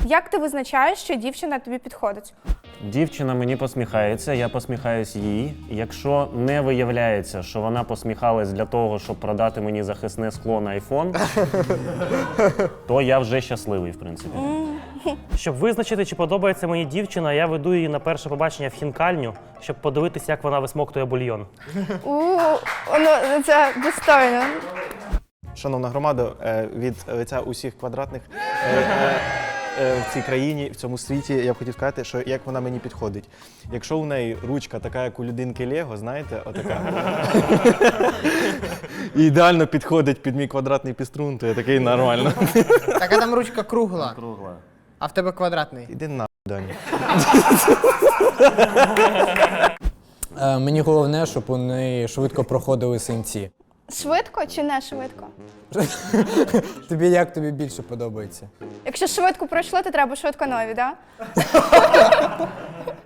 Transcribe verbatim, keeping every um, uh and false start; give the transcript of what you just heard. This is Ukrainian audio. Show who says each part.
Speaker 1: Як ти визначаєш, що дівчина тобі підходить?
Speaker 2: Дівчина мені посміхається, я посміхаюсь їй. Якщо не виявляється, що вона посміхалась для того, щоб продати мені захисне скло на айфон, то я вже щасливий, в принципі.
Speaker 3: Щоб визначити, чи подобається мені дівчина, я веду її на перше побачення в хінкальню, щоб подивитися, як вона висмоктує бульйон.
Speaker 1: У, ну це достойно.
Speaker 4: Шановна громада, е, від лиця усіх квадратних е, е, е, в цій країні, в цьому світі, я б хотів сказати, що як вона мені підходить. Якщо у неї ручка така, як у людинки Лего, знаєте, отака, і ідеально підходить під мій квадратний піструн, то я такий нормально.
Speaker 5: Так, а там ручка кругла,
Speaker 2: Кругла.
Speaker 5: а в тебе квадратний.
Speaker 4: Іди на Даня.
Speaker 6: Е, мені головне, щоб у неї швидко проходили синці.
Speaker 1: Швидко чи не швидко?
Speaker 6: Тобі як тобі більше подобається?
Speaker 1: Якщо швидко пройшло, то треба швидко нові, так? Да?